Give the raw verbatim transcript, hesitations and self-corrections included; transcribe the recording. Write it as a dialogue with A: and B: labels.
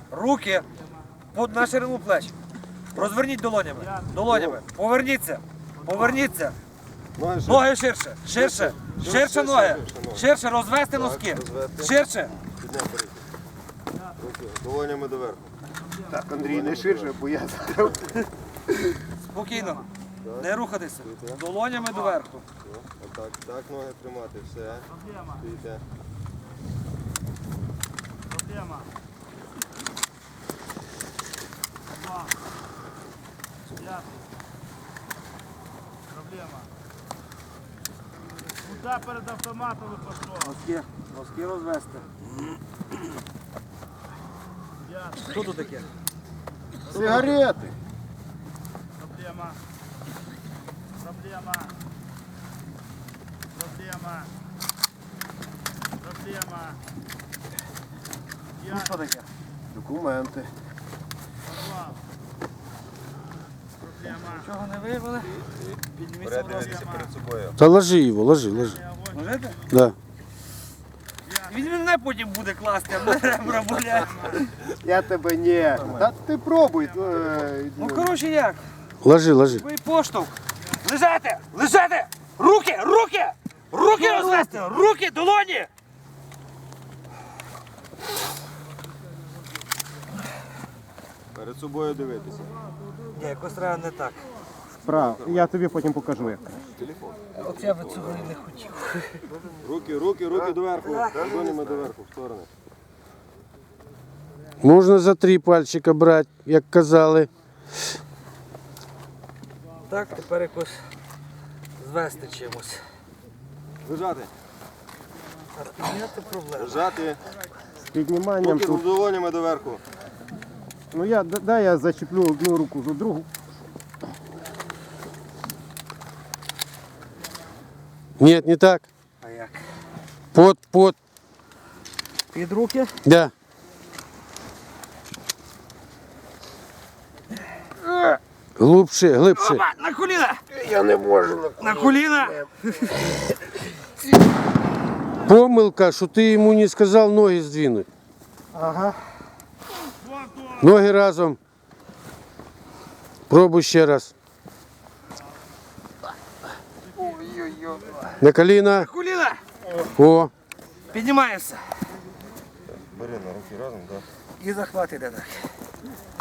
A: Руки на ширину плеч. Розверніть долонями. Долонями. Поверніться. Поверніться. Ноги ширше. Ширше. Ширше ноги. Ширше. Розвести носки. Ширше.
B: Долонями доверху.
C: Так, Андрій, не ширше, бо я закрив.
A: Спокійно. Не рухатися. Долонями доверху.
B: Отак, так ноги тримати, все. Стоїте.
D: Проблема. Два. П'ятий. Проблема. Куда перед автоматом ви пішло?
A: Носки. Носки розвести.
D: П'ятий.
A: Що тут таке?
C: Сигарети.
D: Проблема. Проблема. Проблема. Проблема.
A: Ну що таке?
C: Документи.
D: Поклав. Проблема.
A: Нічого не виявили? Підніміться, будь ласка.
B: Перед собою.
E: Та ложи його, ложи, ложи.
A: Можете?
E: Да.
A: Він мене потім буде класти, а мене ребра болять.
C: Я тебе не. Та ти пробуй. е,
A: Ну коротше як?
E: Ложи, ложи.
A: Ви поштовх. Лежати! Лежати! Руки! Руки! Руки розвести! Руки! Долоні!
B: Перед собою дивитися.
A: Ні, якось треба не так.
C: Вправо. Я тобі потім покажу, як.
A: От я би цього і не хотів.
B: Руки, руки, руки доверху. Долонями доверху, в сторони.
E: Можна за три пальчика брати, як казали.
A: Так, тепер якось звести чимось.
B: Лежати.
A: А підняти проблему.
B: Лежати.
C: З підніманням
B: Руки
C: тут.
B: долонями доверху.
C: Ну я, дай я зачеплю одну руку за другу.
E: Ні, не так.
A: А як?
E: Под, под.
A: Під руки.
E: Да. Глубше, глибше.
A: Опа, на коліна!
C: Я не можу.
A: На коліна!
E: Помилка, що ти йому не сказав ноги здвинути.
C: Ага.
E: Ноги разом. Пробуй ще раз. На коліна.
A: На коліна!
E: О.
A: Піднімаємося.
B: Бери на руки разом, так.
A: І захват іде так.